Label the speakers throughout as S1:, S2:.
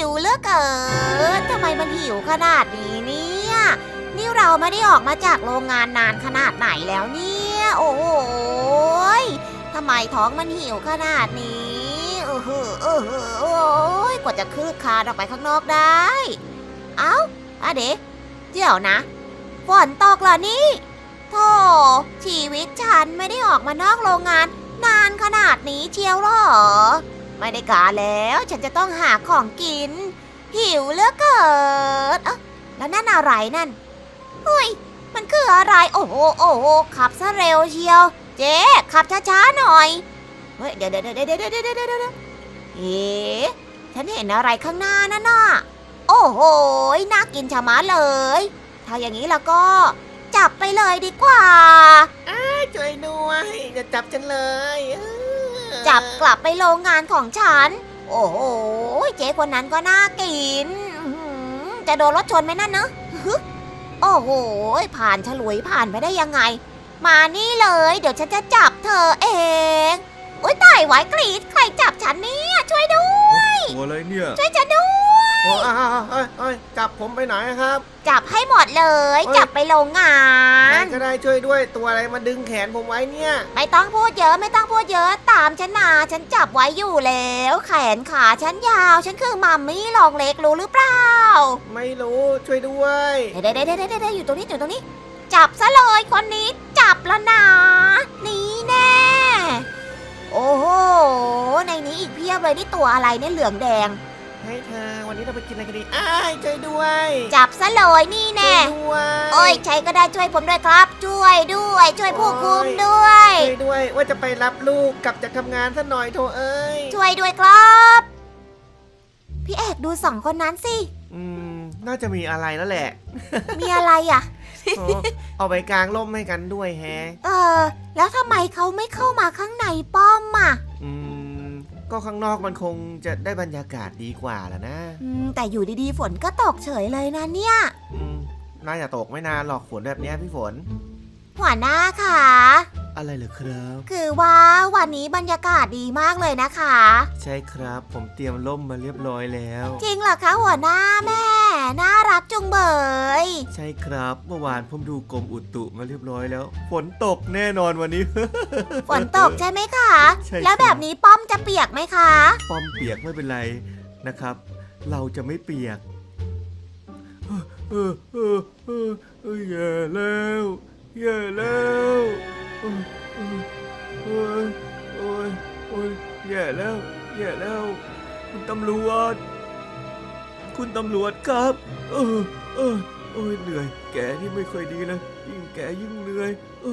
S1: วเหลือเกินทำไมมันหิวขนาดนี้เนี่ยนี่เราไม่ได้ออกมาจากโรงงานนานขนาดไหนแล้วเนี่ยโอ้โหทำไมท้องมันหิวขนาดนี้โอ้ยกว่าจะคืบคลานออกไปข้างนอกได้เอ้าเดี๋ยวนะฝนตกเหรอนี่โธ่ชีวิตฉันไม่ได้ออกมานอกโรงงานนานขนาดนี้เชียวหรอไม่ได้การแล้วฉันจะต้องหาของกินหิวเหลือเกินแล้วนั่นอะไรนั่นเฮ้ยมันคืออะไรโอ้โหขับซะเร็วเชียวเจ๊ขับช้าๆหน่อยเฮ้ยเดี๋ยวเอ๊ะฉันเห็นอะไรข้างหน้านั่นน่ะโอ้โหน่ากินชะมัดเลยถ้าอย่างนี้แล้วก็จับไปเลยดีกว่า
S2: ช่วยด้วยอย่าจับฉันเลย
S1: จับกลับไปโรงงานของฉันโอ้โหเจ๊คนนั้นก็น่ากินจะโดนรถชนไหมนั่นเนอะโอ้โหผ่านฉลุยผ่านไปได้ยังไงมานี่เลยเดี๋ยวฉันจะจับเธอเองโอ๊ยตายไว้กรีดใครจับฉันเนี่ยช่วยด้วย
S3: ตัวอะไรเนี่ย
S1: ช่วยฉันด้วย
S2: จับผมไปไหนครับ
S1: จับให้หมดเลยจับไปโรงงา
S2: ใคร
S1: น
S2: ก็ได้ช่วยด้วยตัวอะไรมาดึงแขนผมไว้เนี่ย
S1: ไม่ต้องพูดเยอะตามฉันมาฉันจับไว้อยู่แล้วแขนขาฉันยาวฉันคือมัมมี่ลองเล็กรู้หรือเปล่า
S2: ไม่รู้ช่วยด้วย
S1: เด้อยู่ตรงนี้จับซะเลยคนนี้จับแล้วนะนี่แน่โอ้โหในนี้อีกเพียบเลยนี่ตัวอะไรเนี่ยเหลืองแดง
S2: ให้เธอวันนี้เราไปกินอะไรกันดีช่วยด้วย
S1: จับซะเลยนี่แน่โอ้ยใครก็ได้ช่วยผมด้วยครับช่วยผู้คุมด้วย
S2: ช่วยด้วยว่าจะไปรับลูกกลับจากทำงานซะหน่อยโธ่เอ้ย
S1: ช่วยด้วยครับพี่เอกดูสองคนนั้นสิ
S2: น่าจะมีอะไรแล้วแหละ
S1: มีอะไรอ่ะ
S2: เอาไปกลางร่มให้กันด้วยแฮะ
S1: แล้วทำไมเขาไม่เข้ามาข้างในป้อมอ่ะ
S2: ก็ข้างนอกมันคงจะได้บรรยากาศดีกว่าแหละนะ
S1: แต่อยู่ดีๆฝนก็ตกเฉยเลยนะเนี่ย
S2: น่าจะตกไม่นานหรอกฝนแบบนี้พี่ฝน
S1: หัวหน้าค่ะ
S2: อะไรเหรอครับ
S1: คือว่าวันนี้บรรยากาศดีมากเลยนะคะ
S2: ใช่ครับผมเตรียมร่มมาเรียบร้อยแล้ว
S1: จริงเหรอคะหัวหน้าแม่น่ารักจุงเบย
S2: ใช่ครับเมื่อวานผมดูกรมอุตุมาเรียบร้อยแล้วฝนตกแน่นอนวันนี้
S1: ฝนตกใช่ไหมคะแล้วแบบนี้ป้อมจะเปียกไหมคะ
S2: ป้อมเปียกไม่เป็นไรนะครับเราจะไม่เปียกแย่แล้วแย่แล้วโอ้ยแย่แล้วคุณตำรวจครับเหนื่อยแกนี่ไม่ค่อยดีเลยยิ่งแกยิ่งเหนื่อย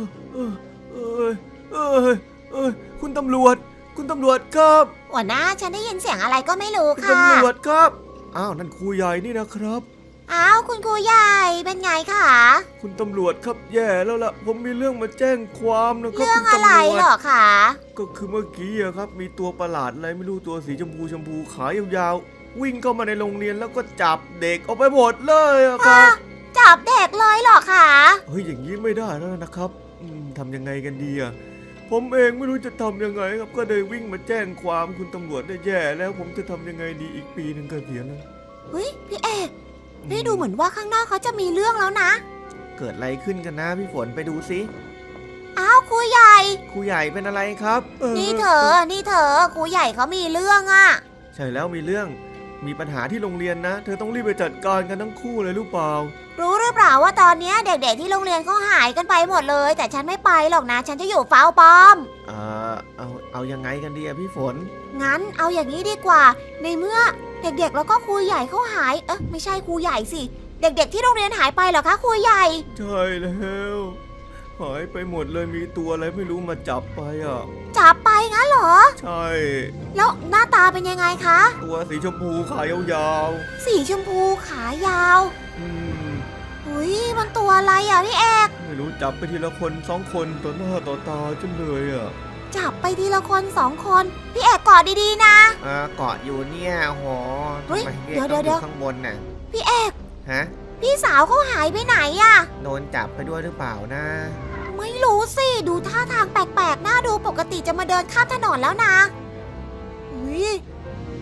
S2: คุณตำรวจครับ
S1: หัวหน้าฉันได้ยินเสียงอะไรก็ไม่รู้ค่ะ
S2: คุณตำรวจครับอ้าวนั่นครูใหญ่นี่นะครับ
S1: อ้าวคุณครูใหญ่เป็นไงคะ
S2: คุณตำรวจครับแย่แล้วล่ะผมมีเรื่องมาแจ้งความนะครับ
S1: เรื่องอะไรเหรอคะ
S2: ก็คือเมื่อกี้ครับมีตัวประหลาดอะไรไม่รู้ตัวสีชมพูขายาวๆวิ่งเข้ามาในโรงเรียนแล้วก็จับเด็กเอาไปหมดเลยครับ
S1: จับเด็กเลยเหรอคะ
S2: เฮ้ยอย่างนี้ไม่ได้แล้วนะครับทำยังไงกันดีผมเองไม่รู้จะทำยังไงครับก็เลยวิ่งมาแจ้งความคุณตำรวจได้แย่แล้วผมจะทำยังไงดีอีกปีนึงก็เสียแล้ว
S1: เฮ้ยพี่เอกนี่ดูเหมือนว่าข้างนอกเขาจะมีเรื่องแล้วนะ
S2: เกิดอะไรขึ้นกันนะพี่ฝนไปดูสิ
S1: อ้าวครูใหญ่
S2: เป็นอะไรครับ
S1: นี่เธอครูใหญ่เขามีเรื่อง
S2: ใช่แล้วมีปัญหาที่โรงเรียนนะเธอต้องรีบไปจัดการกันทั้งคู่เลยรู้เปล่า
S1: รู้หรือเปล่าว่าตอนนี้เด็กๆที่โรงเรียนเขาหายกันไปหมดเลยแต่ฉันไม่ไปหรอกนะฉันจะอยู่เฝ้าป้อม
S2: เอายังไงกันดีพี่ฝน
S1: งั้นเอาอย่างนี้ดีกว่าในเมื่อเด็กๆแล้วก็ครูใหญ่เขาหายไม่ใช่ครูใหญ่สิเด็กๆที่โรงเรียนหายไปเหรอคะครูใหญ่
S2: ใช่แล้วหายไปหมดเลยมีตัวอะไรไม่รู้มาจับไป
S1: จับไปงั้นเหรอ
S2: ใช่
S1: แล้วหน้าตาเป็นยังไงคะ
S2: ตัวสีชมพูขายาว
S1: ๆสีชมพูขายาวอุ้ยมันตัวอะไรพี่เอก
S2: ไม่รู้จับไปทีละคน2 คนต่อหน้าต่อตาจนเลย
S1: จับไปทีละคน2 คนพี่เอกกอดดีๆนะ
S2: เกาะอยู่เนี่ยโห
S1: เดี๋ยว
S2: ข้างบนน่ะ
S1: พี่เอก
S2: ฮะ
S1: พี่สาวเขาหายไปไหน
S2: โดนจับไปด้วยหรือเปล่านะ
S1: ไม่รู้สิดูท่าทางแปลกๆน่าดูปกติจะมาเดินข้ามถนนแล้วนะ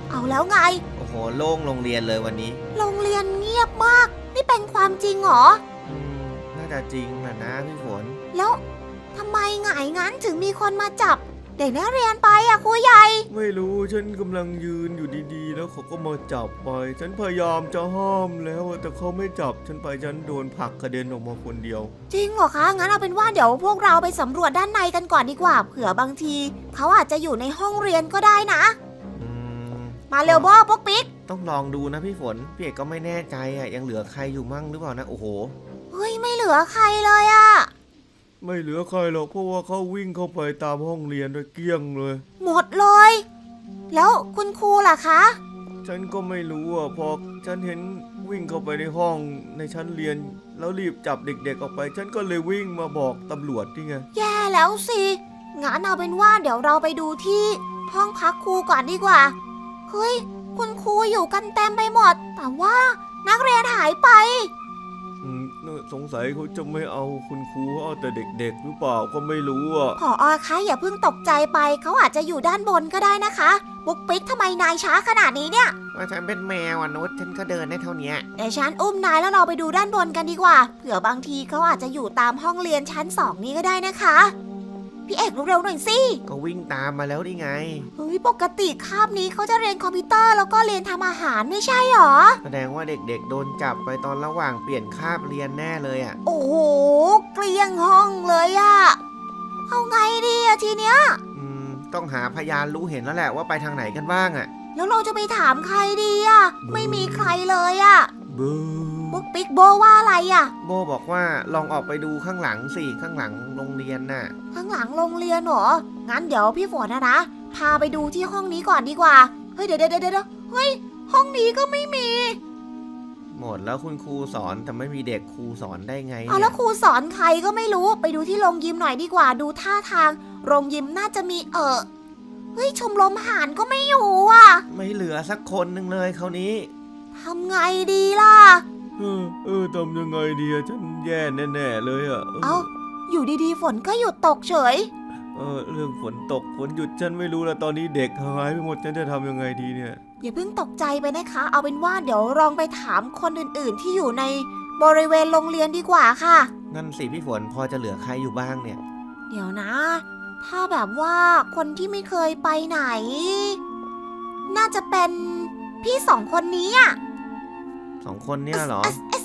S1: เอาแล้วไง
S3: โอ้โหโล่งโรงเรียนเลยวันนี้
S1: โรงเรียนเงียบมาก นี่เป็นความจริงเหรอ
S3: น่าจะจริงนะพี่ฝน
S1: แล้วทำไมไงงั้นถึงมีคนมาจับเด็กนักเรียนไปอะครูใหญ่
S2: ไม่รู้ฉันกำลังยืนอยู่ดีๆ แล้วเขาก็มาจับไป ฉันพยายามจะห้ามแล้วแต่เขาไม่จับฉันไปฉันโดนผลักกระเด็นออกมาคนเดียว
S1: จริงเหรอคะงั้นเอาเป็นว่าเดี๋ยวพวกเราไปสำรวจด้านในกันก่อนดีกว่า เผื่อบางทีเขาอาจจะอยู่ในห้องเรียนก็ได้นะ
S3: อืม
S1: มาเร็วโบพวกปิ๊ก
S3: ต้องลองดูนะพี่ฝนพี่เอกก็ไม่แน่ใจอ่ะยังเหลือใครอยู่มั่งหรือเปล่านะโอ้โห
S1: เฮ้ยไม่เหลือใครเลยอะ
S2: ไม่เหลือใครหรอกเพราะว่าเขาวิ่งเข้าไปตามห้องเรียนโดยเกลี้ยงเลย
S1: หมดเลย แล้วคุณครูล่ะคะ
S2: ฉันก็ไม่รู้อ่ะพอฉันเห็นวิ่งเข้าไปในห้องในชั้นเรียน แล้วรีบจับเด็กๆออกไป ฉันก็เลยวิ่งมาบอกตำรวจนี่ไง
S1: แย่แล้วสิงั้นเอาเป็นว่าเดี๋ยวเราไปดูที่ห้องพักครูก่อนดีกว่า เฮ้ยคุณครูอยู่กันเต็มไปหมด แต่ว่านักเรียนหายไป
S2: สงสัยเขาจะไม่เอาคุณครูเอาแต่เด็กๆหรือเปล่าก็ไม่รู้อ่ะ
S1: ผอคะอย่าเพิ่งตกใจไปเขาอาจจะอยู่ด้านบนก็ได้นะคะบุ๊กปิ๊กทำไมนายช้าขนาดนี้เนี่ย
S3: ว่าฉันเป็นแมวนุชฉันก็เดินได้เท่านี้
S1: เดี๋ยวฉันอุ้มนายแล้วเราไปดูด้านบนกันดีกว่า เผื่อบางทีเขาอาจจะอยู่ตามห้องเรียนชั้น2นี้ก็ได้นะคะ พี่เอกเร็วๆหน่อยสิ
S3: ก็วิ่งตามมาแล้วนี่ไง
S1: เฮ้ยปกติคาบนี้เขาจะเรียนคอมพิวเตอร์แล้วก็เรียนทำอาหารไม่ใช่หรอ
S3: แสดงว่าเด็กๆโดนจับไปตอนระหว่างเปลี่ยนคาบเรียนแน่เลยอ่ะ
S1: โอ้โหเกลี้ยงห้องเลยอะเอาไงดีอะทีเนี้ย
S3: ต้องหาพยานรู้เห็นแล้วแหละว่าไปทางไหนกันบ้างอ่ะ
S1: แล้วเราจะไปถามใครดีอะไม่มีใครเลยอะ
S2: เบอ
S1: บุ๊กปิ๊กโบว่าอะไรอะ
S3: โบบอกว่าลองออกไปดูข้างหลังสิข้างหลังโรงเรียนน่ะ
S1: ข้างหลังโรงเรียนเหรอ งั้นเดี๋ยวพี่ฝนนะพาไปดูที่ห้องนี้ก่อนดีกว่า เฮ้ยเดี๋ยวเฮ้ยห้องนี้ก็ไม่มี
S3: หมดแล้วคุณครูสอนแต่ไม่มีเด็กครูสอนได้ไง
S1: เอา
S3: เนี่
S1: แล้
S3: ยว
S1: ครูสอนใครก็ไม่รู้ ไปดูที่โรงยิมหน่อยดีกว่า ดูท่าทางโรงยิมน่าจะมีเฮ้ยชมรมหารก็ไม่อยู่อ่ะ
S3: ไม่เหลือสักคนหนึ่งเลยคราวนี้
S1: ทำไงดีล่ะ
S2: ทำยังไงดีอะฉันแย่แน่ๆเลยอะ
S1: เอ้าอยู่ดีๆฝนก็หยุดตกเฉย
S2: เรื่องฝนตกฝนหยุดฉันไม่รู้แล้วตอนนี้เด็กหายไปหมดฉันจะทำยังไงดีเนี่ย
S1: อย่าเพิ่งตกใจไปนะคะ เอาเป็นว่าเดี๋ยวลองไปถามคนอื่นๆที่อยู่ในบริเวณโรงเรียนดีกว่าค่ะ
S3: นั่นสิพี่ฝนพอจะเหลือใครอยู่บ้างเนี่ย
S1: เดี๋ยวนะ ถ้าแบบว่าคนที่ไม่เคยไปไหน น่าจะเป็นพี่สองคนนี้อ่ะ
S3: สองคนเนี่ยเหรอ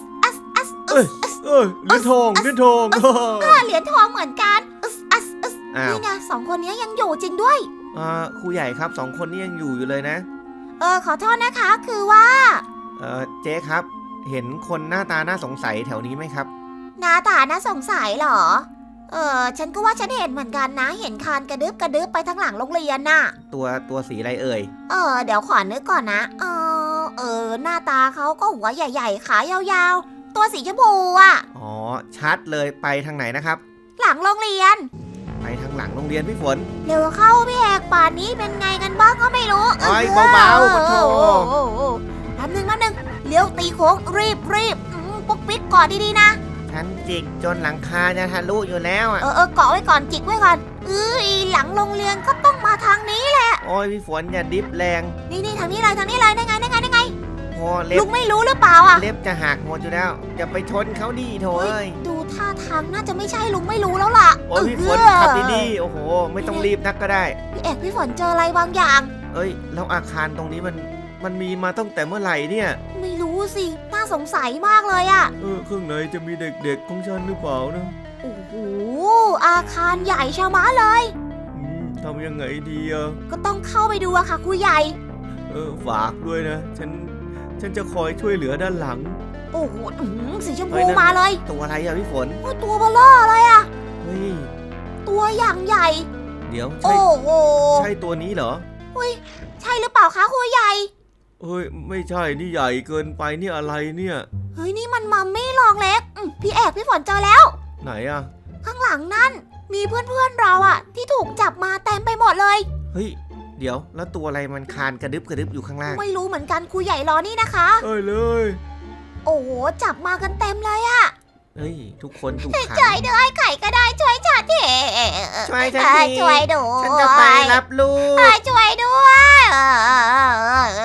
S2: เหรียญทอง
S1: เหรียญทองเหมือนกัน
S3: อ้าว
S1: นี่ไงสองคนนี้ยังอยู่จริงด้วย
S3: ครูใหญ่ครับสองคนนี้ยังอยู่เลยนะ
S1: ขอโทษนะคะ คือว่า
S3: เจ๊ครับ เห็นคนหน้าตาน่าสงสัยแถวนี้ไหมครับ
S1: หน้าตาน่าสงสัยเหรอ ฉันก็ว่าฉันเห็นเหมือนกันนะ เห็นคานกระดึบไปทางหลังโรงเรียนน่ะ
S3: ตัวสีอะไรเอ่ย
S1: เดี๋ยวขอนึกก่อนนะ หน้าตาเขาก็หัวใหญ่ๆ ขายาวๆ ตัวสีชมพูอ่ะ
S3: อ๋อชัดเลยไปทางไหนนะครับ
S1: หลังโรงเรียน
S3: ไปทางหลังโรงเรียนพี่ฝน
S1: เร็วเข้าพี่เอกป่านนี้เป็นไงกันบ้างก็ไม่รู้
S3: โอ้ยเบาๆปะโถ
S1: แป๊บนึงเลี้ยวตีโค้งรีบปุ๊กปิ๊กก่อนดีๆนะ
S3: ฉันจิกจนหลังคาจะทะลุอยู่แล้วอ่ะ
S1: เกาะไว้ก่อนจิกไว้ก่อนหลังโรงเรียนก็ต้องมาทางนี้
S3: โอ้ยพี่ฝนอย่าดิฟแรง
S1: นี่ทางนี้เลยได้ไง
S3: โอ้เล็
S1: ลุ
S3: บ
S1: งไม่รู้หรือเปล่าอ่ะ
S3: เล็บจะหักหมดอยู่แล้วอย่าไปชนเขาดีโถเอ้ย
S1: ดูท่าทางน่าจะไม่ใช่ลุงไม่รู้แล้วล่ะ
S3: โอ้ยพี่ฝนขับดีๆโอ้โหไม่ต้องรีบนักก็ได้
S1: พี่เอกพี่ฝนเจออะไรบางอย่าง
S3: เอ้ยแล้วอาคารตรงนี้มันมีมาตั้งแต่เมื่อไหร่เนี่ย
S1: ไม่รู้สิน่าสงสัยมากเลยอ่ะ
S2: ข้างในจะมีเด็กๆของฉันหรือเปล่านะ
S1: โอ้โหอาคารใหญ่ชะมัดเลย
S2: ทำยังไงดีอะ
S1: ก็ต้องเข้าไปดูอะค่ะครูใหญ่
S2: ฝากด้วยนะฉันจะคอยช่วยเหลือด้านหลัง
S1: โอ้โหสีชม
S3: เฮ้
S1: พู
S3: ยนั่น
S1: มาเลย
S3: ตัวอะไรอะพี่ฝน
S1: โอ้ยตัวเบลอเลยอะ
S3: เฮ้ย
S1: ตัวอย่างใหญ่
S3: เดี๋ยว
S1: โอ้โห
S3: ใช่ตัวนี้เหรอ
S1: ใช่หรือเปล่าคะครูใหญ่
S2: เฮ้ยไม่ใช่นี่ใหญ่เกินไปนี่อะไรเนี่ย
S1: เฮ้ยนี่มันมัมมี่ลองเล็กพี่เอกพี่ฝนเจอแล้ว
S2: ไหนอะ
S1: ข้างหลังนั่นมีเพื่อนๆเราอะที่ถูกจับมาเต็มไปหมดเลย
S3: เฮ้ยเดี๋ยวแล้วตัวอะไรมันคานกระดึบอยู่ข้างล่าง
S1: ไม่รู้เหมือนกันครูใหญ่รอนี่นะคะ
S2: เลย
S1: โอ้โหจับมากันเต็มเลยอะ
S3: เฮ้ยทุกคนถูกขัง
S1: ช่วยด้วยใครก็ได้ช่วยฉันที
S3: ช่วยฉันที
S1: ช่วยด้วย
S3: ฉันจะไปรับลูก
S1: ช่วยด้วย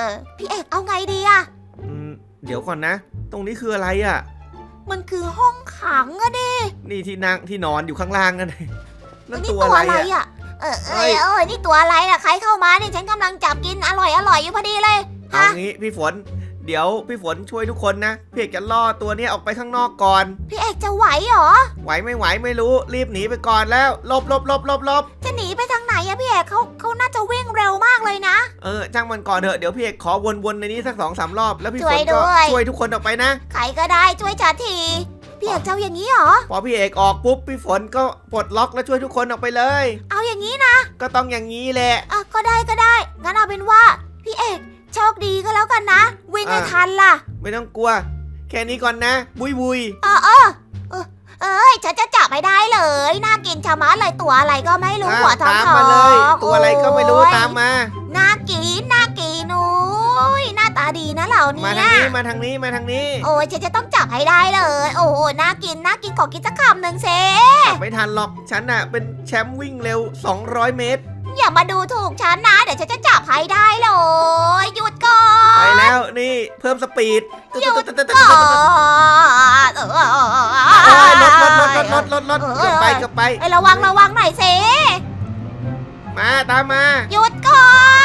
S1: ไงดีอะ
S3: เดี๋ยวก่อนนะ ตรงนี้คืออะไรอ่ะ
S1: มันคือห้องขังอะดิ
S3: นี่ที่นั่งที่นอนอยู่ข้างล่างนั่น นั่น
S1: นี่
S3: ตัวอะไรอ่ะ
S1: อะนี่ตัวอะไรน่ะใครเข้ามาเนี่ยฉันกำลังจับกินอร่อยอยู่พอดีเลย
S3: เอา
S1: ฮะ
S3: งี้พี่ฝน เดี๋ยวพี่ฝนช่วยทุกคนนะพี่เอกจะล่อตัวเนี้ยออกไปข้างนอกก่อน
S1: พี่เอกจะไหวเหรอ
S3: ไหวไม่ไหวไม่รู้รีบหนีไปก่อนแล้วหลบ
S1: จะหนีไปทางไหนอะพี่เอกเขาน่าจะวิ่งเร็วมากเลยนะ
S3: จ้างมันก่อนเถอะเดี๋ยวพี่เอกขอวนในนี้สัก2-3 รอบแล้วพี่ฝ
S1: ช่วน ย
S3: ก็
S1: ด้วย
S3: ช่วยทุกคนออกไปนะ
S1: ใครก็ได้ช่วยฉันที พี่เอกจะเอาอย่างนี้เหรอ
S3: พอพี่เอกออกปุ๊บพี่ฝนก็ปลดล็อกแล้วช่วยทุกคนออกไปเลย
S1: เอาอย่างนี้นะ
S3: ก็ต้องอย่างนี้แหละ
S1: อ่ะก็ได้งั้นเอาเป็นว่าพี่เอกโชคดีก็แล้วกันนะ วิ่งให้ทันล่ะ
S3: ไม่ต้องกลัว แค่นี้ก่อนนะ บุย
S1: เอ้ยฉันจะจับให้ได้เลยน่ากินชะมัดเลยตัวอะไรก็ไม่รู้หัวทอง
S3: ตาม
S1: ทอง
S3: มาเลย ตัวอะไรก็ไม่รู้
S1: โอ้ย
S3: ตามมา
S1: น่ากินโอ้ยหน้าตาดีนะเหล่านี้
S3: มาทางนี้มาทางนี้
S1: โอ้ยฉันจะต้องจับให้ได้เลย โอ้โหน่ากินขอกินสักคำหนึ่งเซ
S3: จับไม่ทันหรอกฉันน่ะเป็นแชมป์วิ่งเร็ว200 เมตร
S1: อย่ามาดูถูกฉันนะเดี๋ยวฉันจะจับให้ได้เลยหยุดก่อน
S3: ไปแล้วนี่เพิ่มสปีด
S1: หยุดก่อน
S3: รถเกือบไป
S1: เอ้ยระวังหน่อยเซ
S3: มาตามมา
S1: หยุดก่อน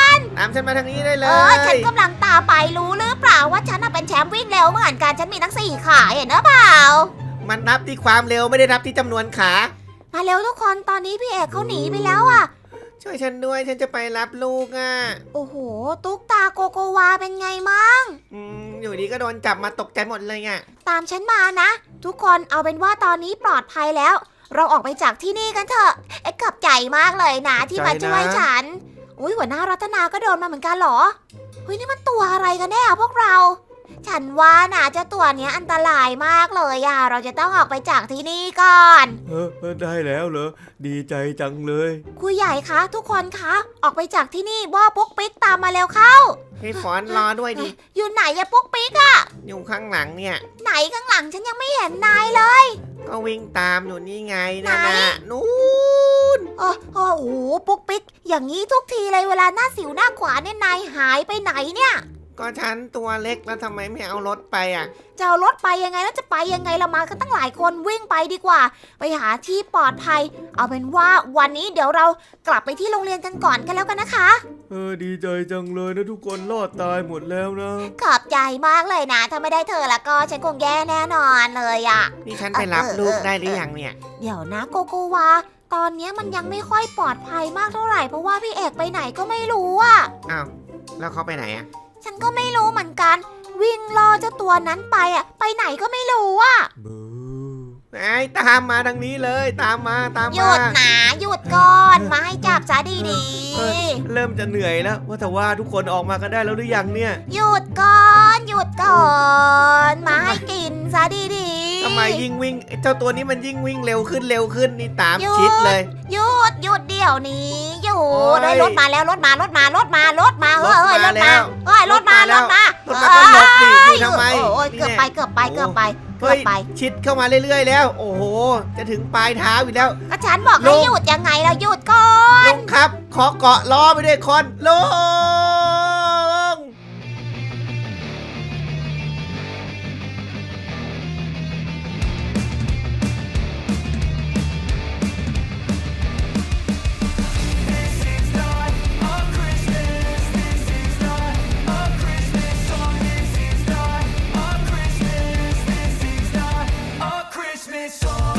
S3: ตามฉันมาทางนี้ได้เล
S1: ฉัน
S3: ย
S1: กำลังตามไปรู้หรือเปล่าว่าฉันน่ะเป็นแชมป์วิ่งเร็วเหมือนกันฉันมีทั้ง4 ขาเห็นหรือเปล่า
S3: มันนับที่ความเร็วไม่ได้นับที่จำนวนขา
S1: มาเร็วทุกคนตอนนี้พี่เอกเขาหนีไปแล้วอ่ะ
S3: ช่วยฉันด้วยฉันจะไปรับลูกอ่ะ
S1: โอ้โหตุ๊กตาโกโกวาเป็นไงมั่ง
S3: อยู่ดีก็โดนจับมาตกใจหมดเลยอ่ะ
S1: ตามฉันมานะ ทุกคนเอาเป็นว่าตอนนี้ปลอดภัยแล้ว เราออกไปจากที่นี่กันเถอะขอบใจมากเลยนะที่มาช่วยฉันอุ้ยหัวหน้ารัตนาก็โดนมาเหมือนกันเหรอเฮ้ยนี่มันตัวอะไรกันแน่พวกเรา ฉันว่านะเจ้าตัวเนี้ยอันตรายมากเลยอะเราจะต้องออกไปจากที่นี่ก่อน
S2: ได้แล้วเหรอดีใจจังเลย
S1: ครูใหญ่คะทุกคนคะออกไปจากที่นี่ว่าปุ๊กปิ๊กตามมาเร็วเข้า
S3: พี่ฝนรอด้วยดิ
S1: อยู่ไหนอะปุ๊กปิ๊กอะ
S3: อยู่ข้างหลังเนี่ย
S1: ไหนข้างหลังฉันยังไม่เห็นนายเลย
S3: ก็วิ่งตามอยู่นี่ไงนะ
S1: ไหน
S3: นู่น
S1: โอ้โหปุ๊กปิ๊กอย่างนี้ทุกทีเลยเวลาหน้าสิวหน้าขวานเนี่ยนายหายไปไหนเนี่ย
S3: ก็ฉันตัวเล็กแล้วทำไมไม่เอารถไปอ่ะ
S1: จะเอารถไปยังไงแล้วจะไปยังไงเรามากันตั้งหลายคนวิ่งไปดีกว่า ไปหาที่ปลอดภัย เอาเป็นว่าวันนี้เดี๋ยวเรากลับไปที่โรงเรียนกันก่อนกันแล้วกันนะคะ
S2: ดีใจจังเลยนะทุกคนรอดตายหมดแล้วนะ
S1: ขอบใจมากเลยนะ ถ้าไม่ได้เธอแล้วก็ฉันคงแย่แน่นอนเลยอะ
S3: นี่ฉันไปรับลูกได้หรือยังเนี่ย
S1: เดี๋ยวนะโกโกวาตอนนี้มันยังไม่ค่อยปลอดภัยมากเท่าไหร่เพราะว่าพี่เอกไปไหนก็ไม่รู้อะ
S3: อ้าวแล้วเขาไปไหนอ่ะ
S1: ฉันก็ไม่รู้เหมือนกัน วิ่งล่อเจ้าตัวนั้นไปอะไปไหนก็ไม่รู้อะ
S2: บู
S3: ไอ้ตามมาทางนี้เลยตามมา
S1: หยุดนะหยุดก่อนมาให้จับซะดี
S3: เริ่มจะเหนื่อยแล้วว่าแต่ว่าทุกคนออกมากันได้แล้วหรือยังเนี่ย
S1: ๆหยุดก่อนมาให้กินซะดีๆ
S3: ทำไมยิ่งวิ่งไอ้เจ้าตัวนี้มันยิ่งวิ่งเร็วขึ้นนี่ตามชิดเลย
S1: หยุดเดี๋ยวนี้หยุ
S3: โอ้
S1: ด
S3: ย
S1: ได้รถมาแล้วรถมารถมาเฮ้ยรถมา
S3: รถมาแล้ว
S1: เฮ้ยรถมา
S3: รถมาก็หลบดิอยู่ทำไม
S1: โอ้ย
S3: นี่
S1: เกือบ
S3: แน่
S1: ไป
S3: เฮ้ยชิดเข้ามาเรื่อยๆแล้ว โอ้โห จะถึงปลายเท้าอยู่แล้ว
S1: ก็ฉันบอกให้
S3: ลง
S1: หยุดยังไงเราหยุดก่อน
S3: ลงครับ ขอเกาะล้อไปด้วยคนลง
S4: Christmas song.